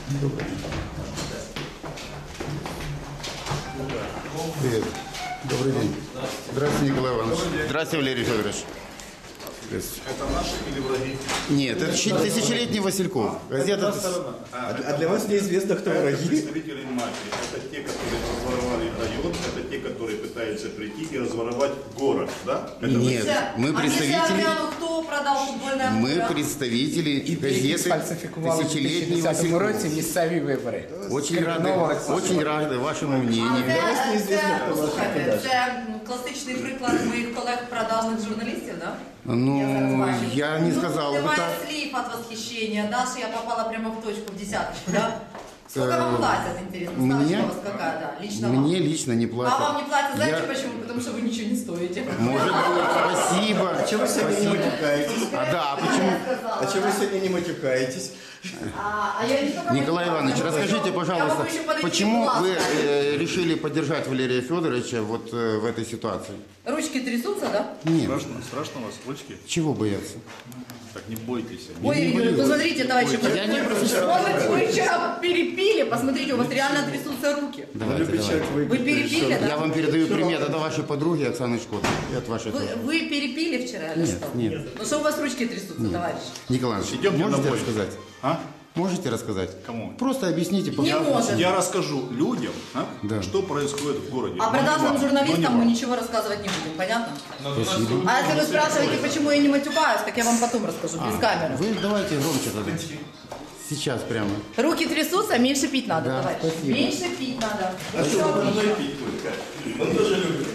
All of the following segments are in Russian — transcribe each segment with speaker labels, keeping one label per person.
Speaker 1: Привет. Добрый день. Здравствуйте, Николай Иванович. Здравствуйте, Валерий Федорович.
Speaker 2: Это наши или враги?
Speaker 1: Нет, это тысячелетний Васильков. Газета...
Speaker 3: А для вас неизвестно, кто враги?
Speaker 2: Представители мафии. Это те, которые разворовали район, это те, которые пытаются прийти и разворовать город, да? Это
Speaker 1: Нет, мы представители...
Speaker 4: Кто продал футбольное поле?
Speaker 1: Мы представители газеты
Speaker 5: Фальсифікували в
Speaker 1: «Тысячелетний
Speaker 5: 2010
Speaker 1: Васильков».
Speaker 5: році місцеві вибори.
Speaker 1: Очень рады вашему мнению.
Speaker 4: Це класичний приклад моїх колег продажних журналістів, да?
Speaker 1: Ну, я не сказал бы
Speaker 4: Немає
Speaker 1: так.
Speaker 4: слів от восхищения. Даша, я попала прямо в точку, в десяточку, да? Сколько вам платят, интересно? Ставочка у вас какая, да? Лично вам.
Speaker 1: Мне лично не платят.
Speaker 4: А вам не платят, знаете почему? Потому что вы ничего не стоите.
Speaker 1: Может быть, спасибо.
Speaker 3: А чего вы сегодня не матюкаетесь?
Speaker 1: Да, почему?
Speaker 3: А чего вы сегодня не матюкаетесь?
Speaker 4: Я не только
Speaker 1: Николай Иванович, расскажите, пожалуйста, почему вы решили поддержать Валерия Федоровича вот в этой ситуации?
Speaker 4: Ручки трясутся, да?
Speaker 1: Нет.
Speaker 2: Страшно у вас ручки?
Speaker 1: Чего бояться?
Speaker 2: Так не бойтесь.
Speaker 4: Ой, посмотрите, товарищи,
Speaker 1: Я не
Speaker 4: вы вчера перепили, посмотрите, у вас реально трясутся руки.
Speaker 1: Давайте, давайте.
Speaker 4: Вы перепили, да?
Speaker 1: Я вам передаю привет от вашей подруги Оксаны Шкоды. И от вашей тоже.
Speaker 4: Вы перепили вчера или что?
Speaker 1: Нет.
Speaker 4: Ну что у вас ручки трясутся, товарищ?
Speaker 1: Николай Иванович,
Speaker 2: Идемте
Speaker 1: можете
Speaker 2: домой.
Speaker 1: рассказать?
Speaker 2: А?
Speaker 1: Можете рассказать?
Speaker 2: Кому?
Speaker 1: Просто объясните,
Speaker 4: Не
Speaker 1: пожалуйста.
Speaker 4: может.
Speaker 2: Я расскажу людям,
Speaker 1: Да.
Speaker 2: что происходит в городе.
Speaker 4: А
Speaker 2: Но не
Speaker 4: продажным
Speaker 2: вам,
Speaker 4: журналистам
Speaker 2: но не
Speaker 4: мы
Speaker 2: вам.
Speaker 4: ничего рассказывать не будем, понятно?
Speaker 1: Спасибо.
Speaker 4: А если вы спрашиваете, почему я не матюкаюсь, так я вам потом расскажу, без камеры.
Speaker 1: Вы давайте громче тогда. Сейчас прямо.
Speaker 4: Руки трясутся, меньше пить надо,
Speaker 1: Да,
Speaker 4: товарищ.
Speaker 1: спасибо.
Speaker 4: Меньше пить надо.
Speaker 3: А что вы должны пить только? Он тоже любит.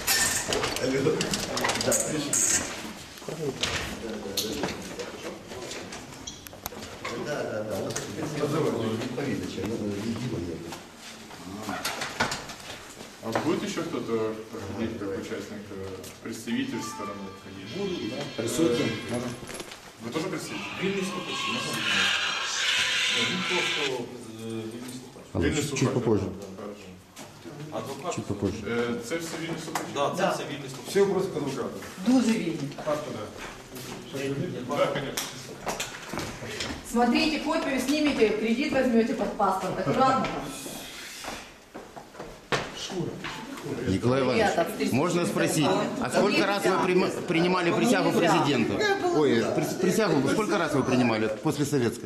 Speaker 3: Да,
Speaker 6: А будет еще кто-то, как участник, представитель стороны? Будут, да. Присутствуем. Вы тоже представитель?
Speaker 1: Чуть попозже.
Speaker 6: Адвокат?
Speaker 1: Чуть попозже.
Speaker 6: Це все вільні слухачі?
Speaker 7: Да, це все вільний слухач.
Speaker 6: Всі вопроси к адвокату?
Speaker 4: Дуже вільні.
Speaker 6: Так, да, конечно.
Speaker 4: Смотрите, копию снимите, кредит возьмете под паспорт, аккуратно.
Speaker 1: Николай Иванович, можно спросить, а сколько раз вы принимали присягу президента? Ой, присягу, сколько раз вы принимали после советской?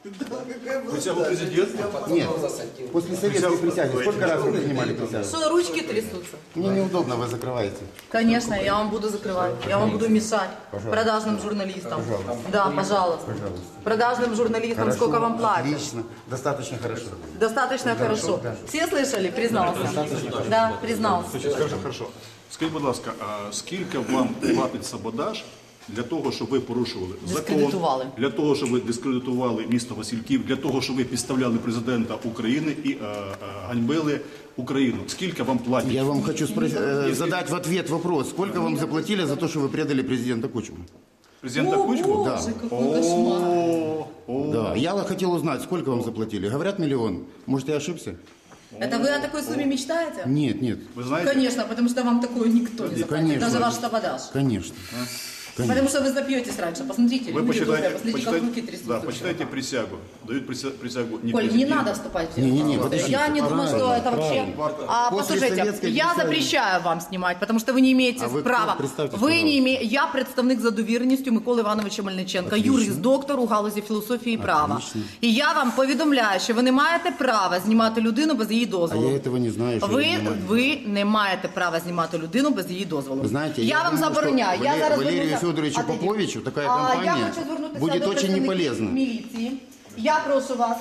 Speaker 2: Присягу президента?
Speaker 1: Нет, после советской присяги. Сколько раз вы принимали присягу?
Speaker 4: Что, ручки трясутся?
Speaker 1: Мне неудобно, вы закрываете.
Speaker 4: Конечно, я вам буду закрывать, я вам буду мешать. Продажным журналистам. Да, пожалуйста. Продажным журналистам сколько вам платят?
Speaker 1: Отлично, достаточно хорошо.
Speaker 4: Достаточно хорошо. Все слышали? Признался. Да, признался.
Speaker 2: Хорошо. Скажіть, будь ласка, а скільки вам платить саботаж для того, щоб ви порушували
Speaker 4: Дискредитували.
Speaker 2: закон, для того, щоб ви дискредитували місто Васильків, для того, щоб ви підставляли президента України і ганьбили Україну? Скільки вам платять?
Speaker 1: Я вам хочу задать в ответ вопрос. Сколько вам заплатили за то, что вы предали президента Кучму?
Speaker 2: Президента Кучму?
Speaker 1: Да.
Speaker 4: Какой кошмар.
Speaker 1: Да. Я хотел узнать, сколько вам заплатили. Говорят, 1 миллион. Может, я ошибся?
Speaker 4: Это вы о такой сумме мечтаете?
Speaker 1: Нет, нет.
Speaker 2: Ви знаєте?
Speaker 4: Конечно, потому что вам такое никто не заплатит,
Speaker 1: Конечно.
Speaker 4: даже ваш саботаж.
Speaker 1: Конечно.
Speaker 4: Потому что вы запьетесь раньше. Посмотрите,
Speaker 2: Вы
Speaker 4: люди добрые,
Speaker 2: почитайте,
Speaker 4: посмотрите, как руки трясутся.
Speaker 2: да, почитайте присягу. Дают присягу не
Speaker 4: Коль, не
Speaker 2: президенту.
Speaker 4: надо вступать в
Speaker 1: Не-не-не,
Speaker 4: диалог.
Speaker 1: подождите,
Speaker 4: Я не думаю, что это вообще...
Speaker 1: После
Speaker 4: Послушайте,
Speaker 1: советской
Speaker 4: я
Speaker 1: присяги.
Speaker 4: запрещаю вам снимать, потому что вы не имеете
Speaker 1: А вы кто?
Speaker 4: права.
Speaker 1: Представьтесь,
Speaker 4: Ви не
Speaker 1: пожалуйста.
Speaker 4: имеете... Я представник за довіреністю Миколи Івановича Мельниченка, юрист, доктор у галузі філософії і права.
Speaker 1: Отлично.
Speaker 4: І я вам повідомляю, що ви не маєте права знімати людину без її
Speaker 1: А
Speaker 4: дозволу.
Speaker 1: я этого не знаю. Что я понимаю.
Speaker 4: Ви не маєте права знімати людину без її дозволу.
Speaker 1: Вы знаете,
Speaker 4: я вам
Speaker 1: думаю,
Speaker 4: забороняю.
Speaker 1: что
Speaker 4: Я зараз
Speaker 1: Валерию
Speaker 4: звернуся-
Speaker 1: Федоровичу
Speaker 4: А тоді-
Speaker 1: Поповичу такая
Speaker 4: Я
Speaker 1: компания
Speaker 4: хочу звернутися
Speaker 1: будет
Speaker 4: до
Speaker 1: очень не
Speaker 4: представників
Speaker 1: полезна.
Speaker 4: міліції. Я прошу вас,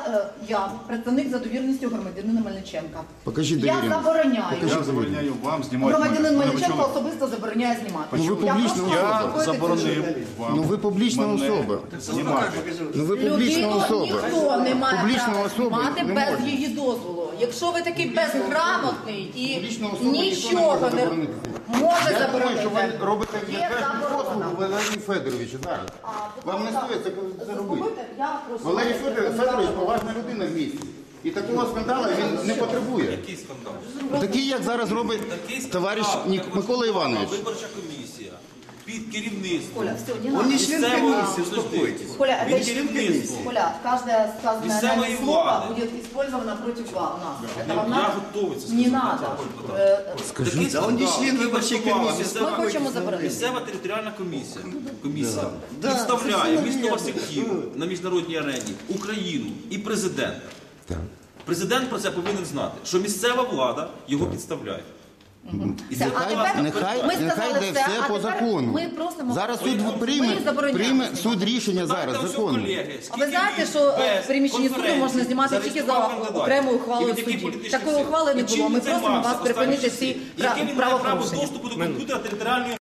Speaker 4: я представник за довіреністю громадянина Мельниченка.
Speaker 1: Покажіть
Speaker 4: Я
Speaker 1: довіреність.
Speaker 4: забороняю.
Speaker 2: Я забороняю вам знімати
Speaker 4: Громадянин
Speaker 2: мене.
Speaker 4: Мельниченко
Speaker 2: Ви чули?
Speaker 4: особисто забороняє знімати.
Speaker 1: Ну, ви
Speaker 4: Я
Speaker 1: публічна
Speaker 4: прошу вас
Speaker 2: Я
Speaker 4: заспокоїти
Speaker 2: заборонив
Speaker 4: цю
Speaker 2: вам.
Speaker 1: Ну, ви публічна
Speaker 2: мене
Speaker 1: особа.
Speaker 2: знімати.
Speaker 1: Ну ви публічна
Speaker 4: людину
Speaker 1: особа.
Speaker 4: ніхто не має
Speaker 1: Публічна
Speaker 4: права
Speaker 1: особа
Speaker 4: знімати
Speaker 1: не
Speaker 4: без
Speaker 1: може.
Speaker 4: її дозволу. Якщо ви такий безграмотний і
Speaker 1: Публічна особа ніхто не
Speaker 4: нічого
Speaker 1: може
Speaker 4: не
Speaker 1: заборонити.
Speaker 4: може
Speaker 1: Я думаю, що ви
Speaker 4: заборонити.
Speaker 1: робите
Speaker 4: Є
Speaker 1: непершу
Speaker 4: заборона.
Speaker 1: послугу Валерію Федоровичу зараз. Вам не стоїть це робити.
Speaker 4: Я прошу
Speaker 1: Валерій
Speaker 4: вас.
Speaker 1: Федорович поважна людина в місті. І такого скандалу він не потребує.
Speaker 7: Який скандал?
Speaker 1: Такий, як зараз робить
Speaker 7: Такий
Speaker 1: товариш
Speaker 7: скандал.
Speaker 1: Микола Іванович.
Speaker 7: Виборча комісія під керівництвом.
Speaker 4: Коля, все, не
Speaker 3: Он
Speaker 4: надо.
Speaker 3: не член комиссии, успокойтесь.
Speaker 4: Коля,
Speaker 7: Він
Speaker 4: это
Speaker 7: керівництво.
Speaker 4: Коля, каждое сказанное
Speaker 7: Місцевої
Speaker 4: нами слово
Speaker 7: влади.
Speaker 4: будет использовано против нас. Это вам
Speaker 7: Я
Speaker 4: надо?
Speaker 7: готовий це
Speaker 4: Не
Speaker 7: сказати.
Speaker 4: надо.
Speaker 7: Такий
Speaker 3: Да он не
Speaker 7: скандал,
Speaker 3: член
Speaker 7: який
Speaker 3: виборчої
Speaker 7: влаштувала
Speaker 3: комісії.
Speaker 7: місцева-
Speaker 4: Ми хочемо заборонити.
Speaker 7: Місцева територіальна комісія представляє місто Васильків на міжнародній арені, Україну і президента. Президент про це повинен знати, що місцева влада його підставляє. І це
Speaker 1: Нехай
Speaker 4: ми сказали
Speaker 1: йде
Speaker 4: все,
Speaker 1: все
Speaker 4: а
Speaker 1: по
Speaker 4: тепер
Speaker 1: закону.
Speaker 4: ми просимо-
Speaker 1: Зараз
Speaker 4: Ми
Speaker 1: суд
Speaker 4: забороняємо.
Speaker 1: прийме суд рішення зараз,
Speaker 7: Знаєте, ось
Speaker 1: законно.
Speaker 7: колеги,
Speaker 4: А ви знаєте, що в приміщенні суду можна знімати тільки за окремою ухвалою судді? Такої ухвали не було. Ми просимо вас припинити всі
Speaker 7: Яке він має право
Speaker 4: правопорушення.
Speaker 7: доступу до комп'ютера територіальної